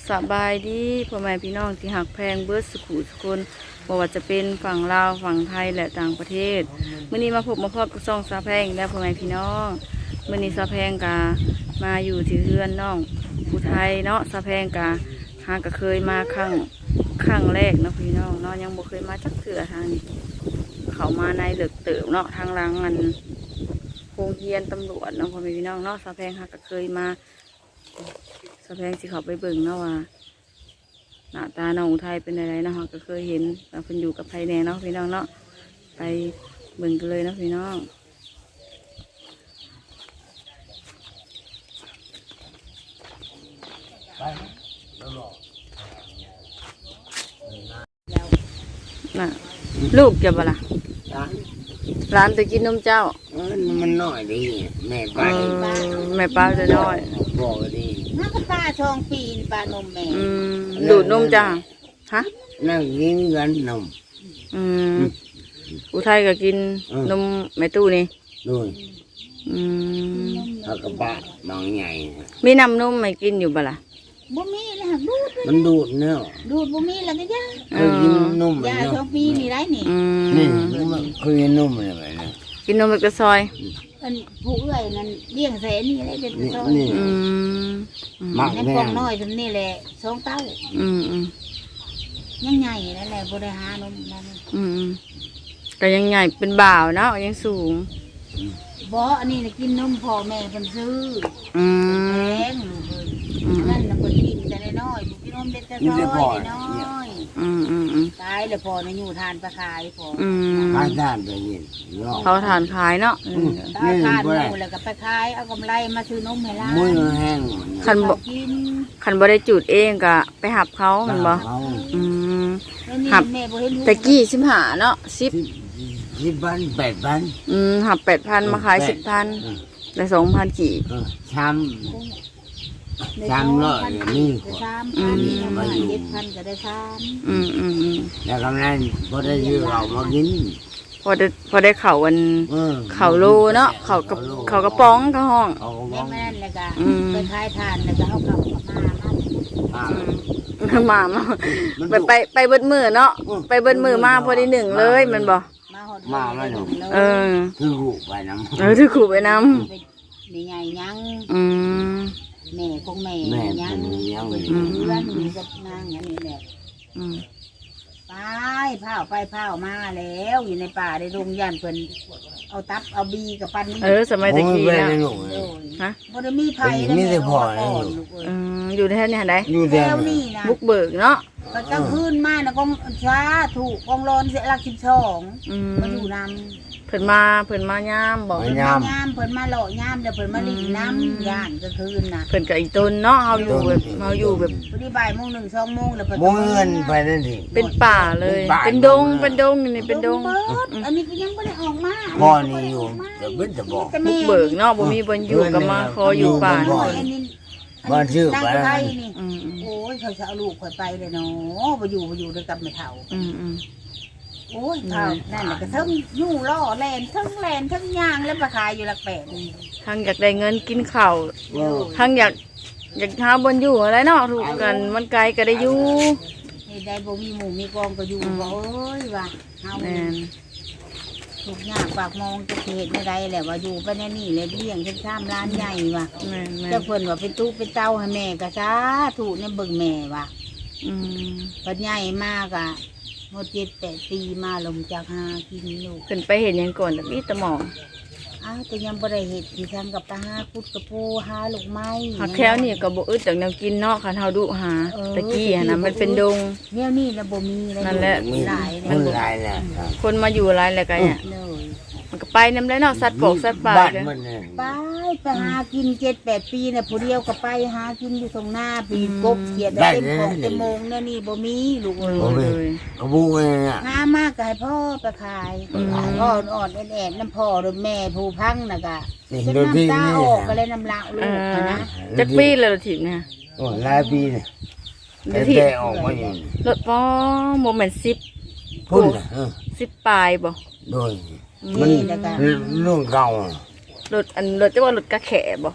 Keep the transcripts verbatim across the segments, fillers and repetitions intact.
สบายดีพ่อแม่พี่น้องที่หักแพงเบิร์ดสกุลสกุลบอกว่าจะเป็นฝั่งลาวฝั่งไทยและต่างประเทศเมื่อนี้มาพบมาพบกับซองซาแพงและพ่อแม่พี่น้องเมื่อนี้ซาแพงกามาอยู่ที่เรือนน้องผู้ไทยเนาะซาแพงกาหากก็เคยมาครั้งครั้งแรกเนาะพี่น้องเนาะยังบ่เคยมาจักเถื่อทางนี้เขามาในเหลือกเติบเนาะทางหลังอันโรงเรียนตำรวจเนาะพ่อแม่พี่น้องเนาะซาแพงหากก็เคยมาสะแพงสิเขาไปเบิ่งเนาะว่าหน้าตาน้องไทยเป็นอะไรเนาะก็เคยเห็นเราเพิ่นอยู่กับไผแน่เนาะพี่น้องเนาะไปเบิ่งกันเลยเนาะพี่น้องน่ะลูกจะบ่ล่ะร้านจะกินนมเจ้ามันน้อยดีแม่ป้าแม่ป้าจะน้อยบอกดีน้าก็ป้าทองปีนป้านมแม่ดูดนมจ้าฮะนั่งกินกันนมอืมอุทัยก็กินนมแม่ตู้นี่ด้วยอืมแล้วก็ป้าบางใหญ่มีน้ำนมไม่กินอยู่บ่ล่ะบ่มีเลยดูดมันดูดเนาะดูดบ่มีแล้วก็ย่าเคยกินนมยาทองปีนี่ไรนี่นี่เคยกินนมอะไรแบบนี้กินนมแบบกระซอยอันผู้เอื้อยนั่นเลี้ยงแสนนี่ได้เป็นกระซอยอืมมักแน่กองน้อยจำนี่แหละสองเต้าอืมอืมยังใหญ่แล้วแหละบ่ได้หานมนั่นอืมก็ยังใหญ่เป็นบ่าวเนาะยังสูงบ่อันนี้น่ะกินนมพ่อแม่เพิ่นซื้ออืมแพงลูกเอ้ยนั่นน่ะเพิ่นกินแต่น้อยๆกินนมเด็กแต่น้อยน้อยอืมอืมอืมขายแล้วพอน่ะอยู่ทานไปขายพออืมขายทานไปยินเขาทานขายเนาะเอาทานหมูแล้วก็ไปขายเอากำไรมาซื้อนมให้ร้านมือแห้งคันบ่คันบ่ได้จุดเองก็ไปหับเขามันบ่อืมหับตะกี้สิบห้าเนาะสิบสิบพันแปดพันอืมหับแปดพันมาขายสิบพันได้สองพันกี่ช้ำช้ำร้อยนี่สามพันมาเจ็ดพันก็ได้สามอืมอืมอืมแล้วกำนันพอได้ยืมเรามากินพอได้พอได้เข่าวันเข่าโลเนาะเข่ากับเข่ากระป๋องกระห้องแม่นเลยก็ไปขายทานแล้วก็เอาเข่ากับมามาไปไปไปเบิดมือเนาะไปเบิดมือมาพอดีหนึ่งเลยมันบ่มาไม่หนูเออถือขู่ไปน้ำเออถือขู่ไปน้ำมีไงยังอืมแม่คงแม่ยังเพื่อนมีกับนางอย่างนี้แหละไปเผาไปเผามาแล้วอยู่ในป่าในโรงยันเพิ่นเอาตับเอาบีกับปันเออสมัยตะกี้นะฮะบ่ได้มีไผมีแต่พ่ออืมอยู่แถวนี้ไหนอยู่แถวนี้นะบุกเบิกเนาะก็จะพื้นมานะกองช้าถูกกองร้อนเสียหลักสิบสองมาอยู่นำเพิ่นมาเพิ่นมาย่ามบอกยามยามเพิ่นมาหล่อย่ามเดี๋ยวเพิ่นมาลีน้ำย่านก็คืนน่ะเพิ่นกับอีต้นเนาะเฮาอยู่แบบเฮาอยู่แบบพอดีบ่ายโมงหนึ่งสองโมงแล้วเพิ่นบ่เงินไปนั่นสิเป็นป่าเลยเป็นดงเป็นดงนี่เป็นดงอันนี้ก็ยังบ่ได้ออกมาพ่อนี่อยู่เดี๋ยวเบิ่นจะบอกบุกเบิกเนาะบ่มีบ่อยู่ก็มาขออยู่ป่าบ้านชื่อไปนี่โอ้ยเขาจะเอาลูกข่อยไปเลยเนาะบ่อยู่บ่อยู่ด้วยกับแม่เฒ่าอืมโอ้ยข้าวนั่นแหละก็ทั้งยู่ล่อแลนทั้งแลนทั้งย่างแล้วมาขายอยู่หลักแปดทั้งอยากได้เงินกินข้าวทั้งอยากอยากหาบนอยู่อะไรเนาะถูกกันมันไกลก็ได้อยู่นี่ได้บ่มีหมูมีกองก็อยู่บ่เอ้ยว่าเฮาถูกยากปากมองจะเห็นไม่ได้แหละว่าอยู่ไปแน่นี่เลยเลี้ยงเป็นข้ามร้านใหญ่ว่ะเจ้าเพิ่นว่าเป็นตู้เป็นเต้าให้แม่ก็ซาถูกเนี่ยเบิ่งแม่ว่ะอืมปัญญาใหญ่มากอ่ะหมดเจ็ดแปดปีมาลงจากหากินลูกขึ้นไปเห็นยังก่อนแต่พี่ตะหมองอ้าวแต่ยังบ่ได้เห็ดที่ทำกับปลาหาพุดกระปูหาลูกไม้หักแค่นี่ก็บ่อึดจากแนวกินเนาะคันเฮาดุหาตะกี้นะมันเป็นดงเนี่ยนี่แล้วบ่มีนั่นแหละมีหลายมันหลายแหละคนมาอยู่หลายแหละกันเนี่ยมันก็ไปนำแล้วเนาะสัตว์ปกสัตว์ป่าไปไปหากินเจ็ดแปดปีเนี่ยผู้เดียวก็ไปหากินอยู่ตรงหน้าปีกบเขียดได้เต็มของเต็มโมงเนี่ยนี่บ่มีลูกเลยกระบุกเลยอ่ะหามากก็ให้พ่อไปขายอ่อนอ่อนแอนน้ำพ่อหรือแม่ผู้พังน่ะก็เป็นน้ำตาออกก็เลยน้ำลายลูกนะจักปีเลยถิ่นเนี่ยโอ้หลายปีเนี่ยแต่ออกมาอยู่รถป้อโมเมนต์สิบพุ่นสิบปลายบ่โดยมันรุ่นเก่ารถอันรถจะว่ารถกระแขบ่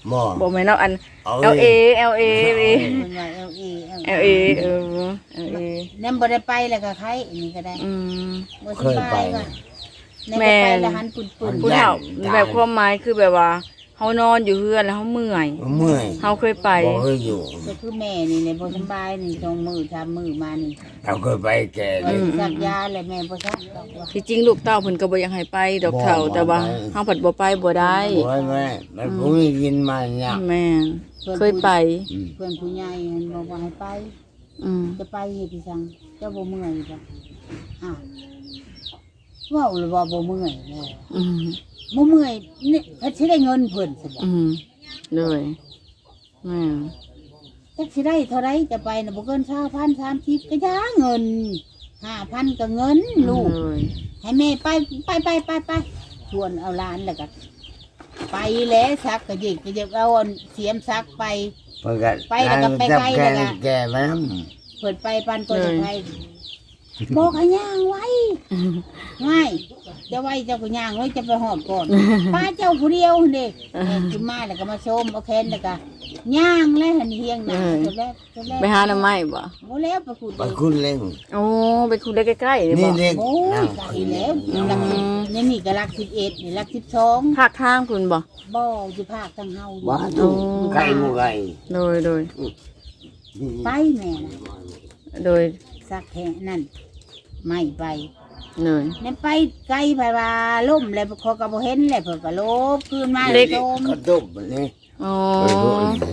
บ่บ่แม่นเนาะอันเอา L A L A เพิ่นว่า L A L A เออ L A นั่นบ่ได้ไปแล้วก็ใครอันนี้ก็ได้อืมบ่สบายว่ะนั่นแม่ก็ไปแล้วหันปุ่นผู้เฒ่าแบบความหมายคือแบบว่าเฮานอนอยู่เฮือนแล้วเฮาเมื่อยเมื่อยเฮาเคยไปบ่เคยอยู่ๆก็คือแม่นี่เนี่ยบ่สบายนี่สองมื้อสามมื้อมานี่เราเคยไปแก่ว่าเลยสิซักยาแล้วแม่บ่ซักดอกว่าที่จริงลูกเต้าเพิ่นก็บ่อยากให้ไปดอกเฒ่าบ่แต่ว่าบ่ไปเฮาผัดบ่ไปบ่ได้โอ้ยแม่มันผมไม่กินมาเนี่ยแม่นเคยไปอืมเพื่อนผู้ใหญ่เห็นบอกว่าให้ไปอืมจะไปเฮ็ดอีสังเจ้าบ่เมื่อยบ่อ้าวเว้าเลยว่าบ่เมื่อยเลยอืมบ่เมื่อยนี่เพิ่นสิได้เงินเพิ่นสิบ่อืมเลยแม่นจักสิได้เท่าไรจะไปน่ะบ่เกินยี่สิบ สามสิบก็ย่าเงินห้าพันก็เงินลูกเลยให้แม่ไปไปไปไปไปชวนเอาหลานแล้วก็ไปแล้วซักก็ยิกก็ยิกเอาอันเสียมซักไปเพิ่นก็ไปแล้วก็ไปไกลแก่แล้วก็แก่มาน้เปิดไปปันก็จะไปบอกให้ย่างไว้ง่ายจะไว้เจ้าก็ย่างไว้จะไปหอดก่อนป้าเจ้าผู้เดียวเด็กกินมาแล้วก็มาชมเอาแคนแล้วก็ย่างแล้วหันเฮียงหนาจนแล้วจนแล้วไปหาหน่อไม้บ่โอ้แล้วประกุดำไปคุณเล่งโอ้ไปคุยได้ใกล้ๆนี่นี่บ่เด็กโอ้ยไก่แล้วลักสิบนี่นี่ก็ลักสิบเอ็ดนี่ลักสิบสองภาคทางคุณบ่บ่อยู่ภาคทั้งเฮาบ้าถูกไก่หมูไก่โดยโดยไปแม่นะโดยสักแค่นั่นไม่ไปเลยนั่นไปไกลไปว่าล่มเลยเขาก็บ่เห็นเลยเพิ่นก็ลบคืนมาเล็กโจมกระตุบนี่อ๋อเล็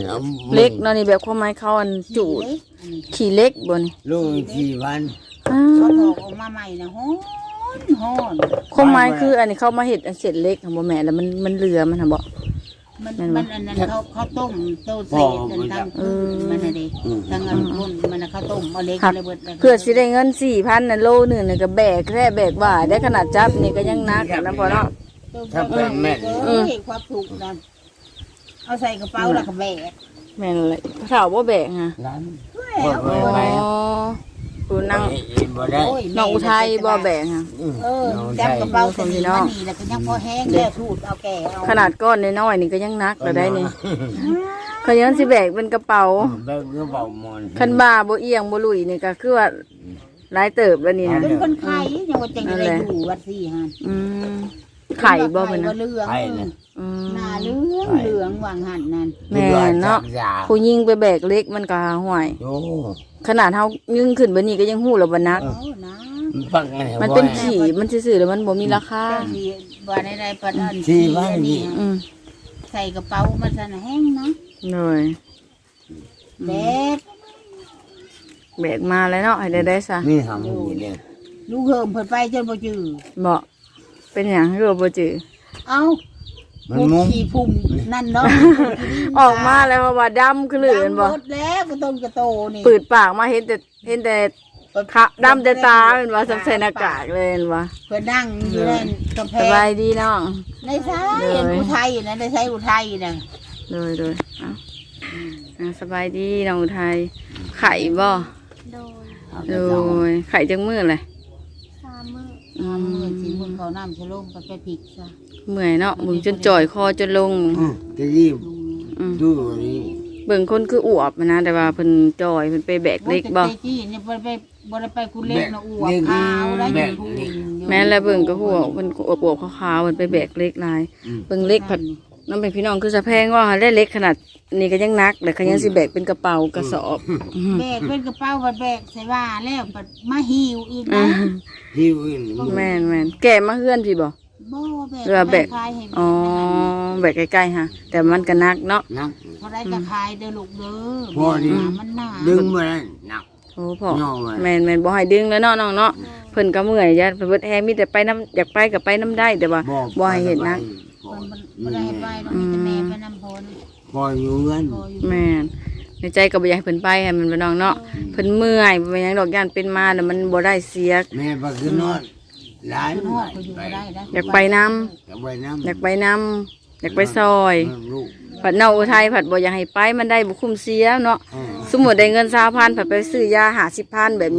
เล็กกเนาะนี่แบบความหมายเขาอันจูดเล็กอันนี้ขี่เล็กบ่นี่ลูกสี่พันอ้าเขาถวอกออกมาใหม่นะฮ้อนฮ้อนความหมายคืออันนี้เขามาเฮ็ดอันเสร็จเล็กของบ่แม่แล้วมันมันเหลือมันน่ะบ่มันนั่นมันวะอันนั้นเขาเขาต้มโตเศษอันทางเออมันน่ะเด้ทางอันพุ่นมันน่ะเขาต้มเอาเล็กครับเลยเบิดเลยเพื่อสิได้เงินสี่พันน่ะโลหนึงน่ะก็แบกแค่แบกว่าได้ขนาดจับนี่ก็ยังหนักอะนะพ่อเนาะถ้าเป็นแม่เอ้ยความถูกนะเอาใส่กระเป๋าแล้วก็แบกแม่นเลยเฒ่าบ่แบกฮะร้านแล้วบ่อ๋ไปอผู้นั่งบ่ได้โอ้ยน้องอุทัยบ่แบกฮะเออจับกระเป๋าใส่นี่มานี่แล้วก็ยังพอแห้งแล้วถูดเอาแก่เอาขนาดก้อนน้อยๆนี่ก็ยังหนักแล้วได้นี่เขายังสิแบกเป็นกระเป๋าแบกกระเป๋ามอนคันบ่าบ่เอียงบ่ลุยนี่ก็คือว่าหลายเติบแล้วนี่นะเป็นคนไข้ยังว่าจังได้อยู่วัดสี่ฮะอืมไข่บ่เพิ่นนะนะเหลืองไข่น่ะอืมหน้าเหลืองเหลืองวางหันนั่นแม่นเนาะผู้ยิงไปแบกเล็กมันก็ห่วยโอ้ขนาดเฮายิงขึ้นบัดนี้ก็ยังฮู้แล้วบ่หนักโอ้นะมันปักไงมันเป็นขี่มันซื่อๆแล้วมันบ่มีราคาเจ้าสีบ่ได้ได้ปัดอันสี่พันอันนี้อืมใส่กระเป๋ามันซะนะแห้งนะเลยแบกแบกมาแล้วเนาะให้ได้ได้ซะนี่ทำอยู่เนี่ยลูกเหิมเพิ่นไปจนบ่จือบ่เป็นหยังคือว่าบ่จือเอ้ามันพวกมุ้งขี้พุ่มนั่นเนาะออกมาแล้วเพราะว่าดำคือเหลือนบ่ดำหมดแล้วก็ต้นกระโตนี่ปืดปากมาเห็นแต่เห็นแต่ขะดำแต่ตาเป็นว่าใส่หน้ากากเลยเป็นว่าเพิ่นนั่งอยู่ในกำแพสบายงดีน้องในซ้ายเห็นอุทัยนะในซ้ายอุทัยน่ะเลยเลยเอ้าอ่าสบายดีน้องอุทัยไข่บ่โดยเลยไข่จังมือเลยสามมื้ออืสามมื้อมสิมื้อเขาน้ำชะโลมก็ไปพริกซะเมื่อยเนาะมึงจนจ่อยคอจนลงอืมจะรีบอืมดูนี่เบิ่งคนคืออวบนะแต่ว่าเพิ่นจ่อยเพิ่นไปแบกเล็กบ่โอ้ยแต่จี้เนี่ยบ่ได้ไปบ่ได้ไปคุณเล็กนะอ้วกขาวได้อยู่ผู้หญิงอยู่แม่นแล้วเบิ่งก็หัวเพิ่นอวบๆขาวๆเพิ่นไปแบกเล็กหลายอืมเบิ่งเล็กผัดน้ำเป็นพี่น้องคือสะแพงว่าได้เล็กขนาดนี้ก็ยังนักเลยเขายังสิแบกเป็นกระเป๋ากระสอบอืมแบกเป็นกระเป๋าบัดแบกใส่ว่าแล้วบัดมาหิวอีกอืนะมหิวอื่นแม่นแม่นแก่มาเฮือนพี่บ่บ่แบกเรือแบกขายให้อ๋อแบกใกล้ๆฮะแต่มันก็นักเนาะนักพอได้จะขายเด้อลูกเด้อพอดีมันหนาดึงมาได้หนักโอ้พ่อน้องเลยแม่นแม่นบ่ให้ดึงแล้วเนาะน้องเนาะเพิ่นก็เมื่อยยัดเพิ่นเบิดแฮงมีแต่ไปน้ำอยากไปก็ไปน้ำได้แต่ว่าบ่ให้เห็นนักมันมันบ่ได้ให้ไปเนาะมีแต่แม่ไปนำพนพออยู่เงินพออยู่แม่นในใจก็บ่อยากให้เพิ่นไปให้มันไปน้องเนาะเพิ่นเมื่อยบ่เป็นหยังดอกย่านเป็นมาแล้วมันบ่ได้เสียแม่ไปขึ้นนอนหลานคุณฮอดก็อยู่บ่ได้นะอยากไปน้จะไปน้ำอยากไปน้ำอยากไปซอยลูกผัดเนาอุทัยผัดบ่อยากให้ไปมันได้บุคุ้มเสียเนาะอืมสมมุติได้เงินสามพันผัดไปซื้อยาหาสิบพันแบบนี้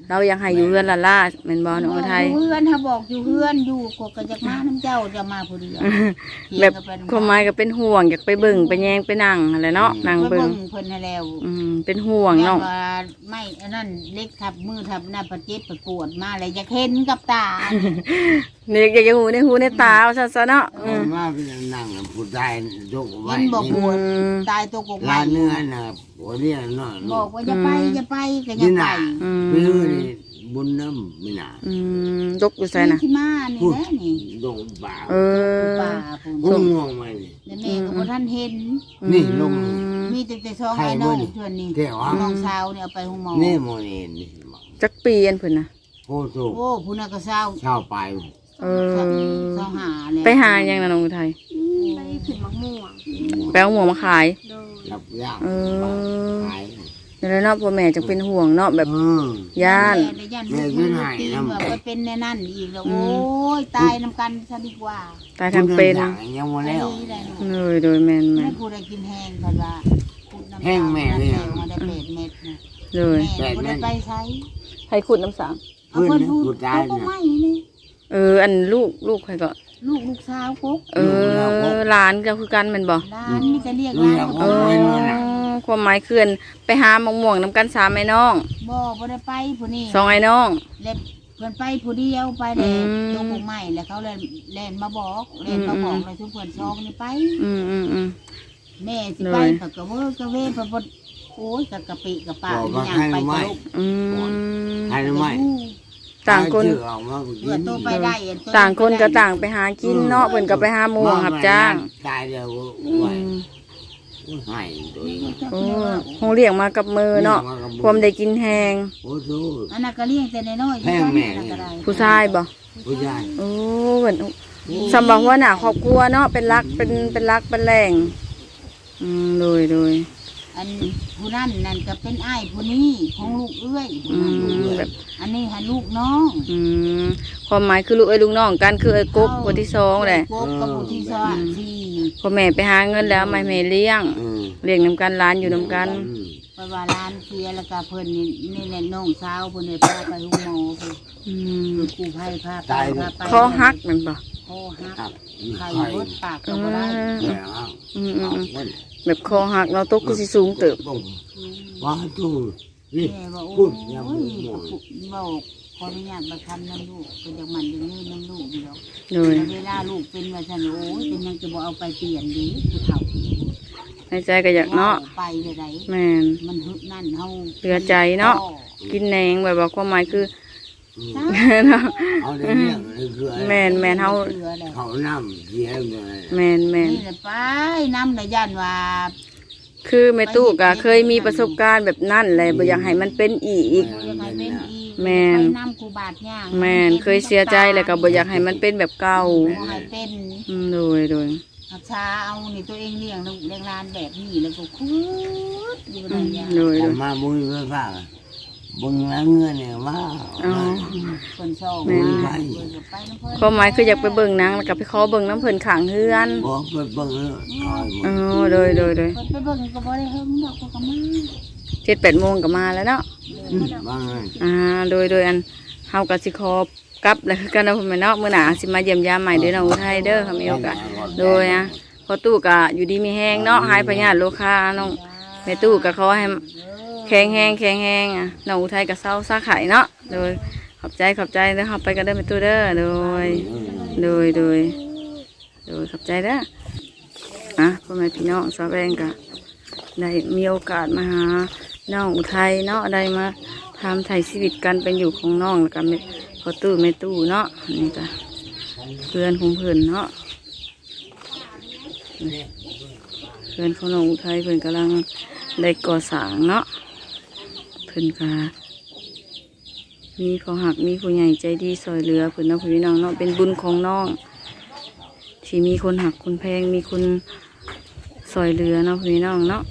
เราอยากให้อยู่เฮือนละล่าแม่นบ่น้องอุทัยอยู่เฮือนถ้าบอกอยู่เฮือนอยู่กก็จะมาน้ำเจ้าจะมาผู้เดียวแบบความหมายก็เป็นห่วงอยากไปเบิ่งไปแยงไปนั่งอะไรเนาะนั่งไปเบิ่เบิ่งงเพิ่นให้แล้วอืมเป็นห่วงเนาะย่ว่าไม่อันนั้นเล็กทับมือทับหน้าประเจ็บประปวดมาเลยจะเห็นกับตานี่อยากจะหูในหูในตาเอาซะๆเนาะอืมมาเป็นนั่งผู้ชายยกไว้เห็นบอกปวดอืมตายตัวกกร้าไม้นเนื้อน่ะหัวเนี่ยเนาะบอกว่าจะไปจะไปก็ยันี่งไปน่ะอืมไปดูนี่บุญน้ำไม่น่ะอืมยกอยู่ใส่น่ะที่มานี่แหละนี่ลงป่าเออป่าพุ่นพุ่งงวงมานี่แล้วแม่ก็บ่ทันเห็นนี่ลงมีแต่แต่ซองใครไอ้น้องบ่นี่ชวนนี่เดี๋ยวอ่ะน้องสาวเนี่ยเอาไปห้องหมอนี่โมนี่นี่จักปีอันเพิ่นน่ะโอ้โหโอ้ผู้นั้นก็เศร้าเช่าไปเออเศร้าหาแล้วไปหายังนะน้องอุทัยไปขึ้นมะม่วงไปเอาหมูมาขายโดยรับยากเออขายเดี๋ยวเนาะพ่อแม่จังเป็นห่วงเนาะแบบเออย่านแม่ย่านลูกมือตีนแบบว่าเป็นแน่นั่นอีกแล้วโอ้ยตายน้ำกันซะดีกว่าตายทางเป็นผู้ดิทยังมาแล้วไปได้เนาะเลยโดยแม่นแม่ไม่นพูดอะไรกินแห้งกันว่าพูดน้ำแห้งแม่เลยแห้อะงมาได้เป็ดเม็ดนะเลยแม่พูดได้ไปใช้ให้ขุดน้ำสางเอาเพิ่นพูดเขาก็ไม่นี่เออ อันลูกลูกใครก็ลูกลูกสาวกุ๊กเออหลานก็คือกันแม่นบ่ร้านนี่จะเรียกร้านเออความหมายคืออันไปหามะม่วงน้ำกันสามไอ้น้องบ่บ่ได้ไปผู้นี้สองไอ้น้องเล็บเพิ่นไปผู้เดียวไปแล้อืมตัวกุ๊กใหม่แล้วเขาเลยเล่นมาบอกเล่นมาบอกเลยทุกคนซองนี่ไปอืมอืมอืมแม่สิไปเลยปะกะเวอร์กะเวปะบดโอ้ยกะกะปิกะปาบอกอีว่าหยังให้ไปไม่กะลูกอืมให้ไม่ต่างคนชื่อออกมาก็กิเพื่อน โตไปได้อันโตต่างคนก็ไปได้ต่างไปหากินเนาะเพิ่นก็ไปหาหมูรับจ้างตายแล้วอืไหวมให้ตัวเองโอ้คงเลี้ยงมากับมือเนาะความได้กินแหงโอ้โหอันนั้นก็เลี้ยงแต่น้อยๆแพงแม่อันนั้นก็ได้ผู้ชายบ่ผู้ชายโอ้เหมือนสำหรับว่าหน้าครอบครัวเนาะเป็นรักเป็นเป็นรักเป็นแหล่งอืมโดยโดยอันผู้นั้นนั่นก็เป็นอ้ายผู้นี้ของลูกเอื้อยผู้อืนั้นมแบบอันนี้หาลูกน้องอืมความหมายคือลูกเอ้ยลูกน้องกันคือไอ้กบคนที่สองแหละกบกับผู้ที่สองที่พ่อแม่ไปหาเงินแล้วไม่แม่เลี้ยงอืมเลี้ยงนำกันร้านอยู่นำกันอืมไปว่าร้านเสียแล้วก็เพิ่นนี่นี่แหละน้องสาวเพิ่นเนี่ยพาไปห้องหมอเพิ่นอืมกู้ภัยพาไปพาไปคอหักแมันบ่คอหักครับไข่ไข่เบิดปากก็อืบ่ได้มแล้วอืมอืมเอาอืมเงินแบบคอหักเราตกก็สิสูงเติบว่าตู้นี่แม่บอกพูโอ้ดยังยไม่หมดบอกขออนุญาตมาทำน้ำลูกเป็นอย่างมันอย่างนี้น้ำลูกอยู่แล้วโดยเวลาลูกเป็นว่าฉันโอ้ยเป็นยังจะบอกเอาไปเปลี่ยนดีผู้เฒ่าในใจก็อยากเนาะไปเลยไดแม่นมันหึนั่นเฮาเหลือใจเนาะ กินแหนงแบบว่าความหมายคืออืมเนาะเอาได้เรื่องเลยคืออะไรแม่นแม่นเฮาเหลือแล้วเขาน้ำเสียเลยแม่นแม่นนี่แหละไปน้ำในย่านว่าคือแม่ตู้ก็เคยมีประสบการณ์แบบนั้นแหละบ่อยากให้มันเป็นอีกบ่อยากให้เป็นอีกแม่นไปน้ำกูบาดย่างแม่นเคยเสียใจแล้วก็บ่อยากให้มันเป็นแบบเก่าบ่ให้เป็นอืมโดยโดยหักษาเอานี่ตัวเองเลี้ยงลูกเลี้ยงหลานแบบนี้แล้วก็คุดอยู่ในอืมอย่างโดยผโดมยมาบุญเพื่อฝากบุญแล้วเงินเนี่ยมาอ๋อคนชอบแม่ไปไปน้ำเพิ่นความหมายคืออยากไปเบิ่งหนังแล้วก็ไปขอเบิ่งน้ำเพิ่นข้างเฮือนบอกเปิดเบิ่งเลยคอยหมอ๋ดอโดยโดยโดยเพิ่นไปเบิ่งก็บ่ได้เฮิงดอกก็มาเจ็ดแปดโมงก็มาแล้วเนาะบ้างเลยอ่าโดยโดยอันเฮาก็สิขอกลับแล้วคือกันเนาะพ่อแม่เนาะมื้อหน้าสิมาเยี่ยมยามใหม่เด้อน้องอุทัยเด้อค่ะมีโอกาสโดยอ่ะพอตู้ก็อยู่ดีมีแฮงเนาะหายพยาธิโรคาน้องแม่ตู้ก็ขอให้แข็งแรงแข็งแรงอ่ะน้องอุทัยก็เศร้าซาไข่เนาะโดยขอบใจขอบใจเด้อครับไปกันเด้อแม่ตู้เด้อโดย โดยโดยโดยขอบใจเด้ออ่ะพ่อแม่พี่น้องสาวแบงก็ได้มีโอกาสมาหาน้องอุทัยเนาะได้มาทำไถ่ชีวิตกันเป็นอยู่ของน้องแล้วกันพอตู้ไม่ตู้เนาะนี่ก็เพื่อนของเพื่อนเนาะเพื่อนของน้องอุทัยเพื่อนกำลังได้ก่อสร้างเนาะเพื่อนก็มีขอหักมีผู้ใหญ่ใจดีซอยเหลือเพื่อนเนาะพี่น้องเนาะเป็นบุญของน้อง ที่มีคนหักคนแพงมีคนซอยเรือเนาะพี่น้องเนาะ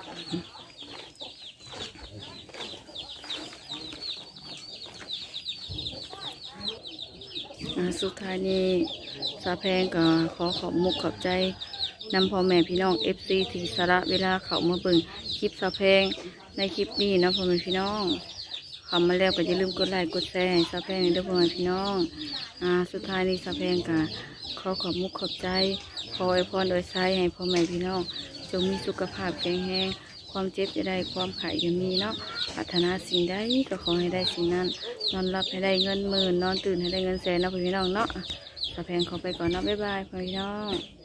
อ่าสุดท้ายนี้สาแพงก็ขอขอบมุกขอบใจนำพ่อแม่พี่น้องเอฟซีที่สาระเวลาเขามาเบิ่งคลิปสาแพงในคลิปนี้เนาะพ่อแม่พี่น้องขคำมาแล้วก็อย่าลืมกดไลค์กดแชร์ให้สาวแพงเด้อพ่อแม่พี่น้องอ่าสุดท้ายนี้สาวแพงก็ขอขอบมุกขอบใจขออวยพรโดยใช้ให้พ่อแม่พี่น้องจงมีสุขภาพแข็งแรงความเจ็บจะได้ความไข่จะมีเนาะปรารถนาสิ่งใดก็ขอให้ได้สิ่งนั้นนอนหลับให้ได้เงินหมื่นนอนตื่นให้ได้เงินแสนเนาะพี่น้องเนาะสาวแพงขอไปก่อนเนาะบ๊ายบายพี่น้อง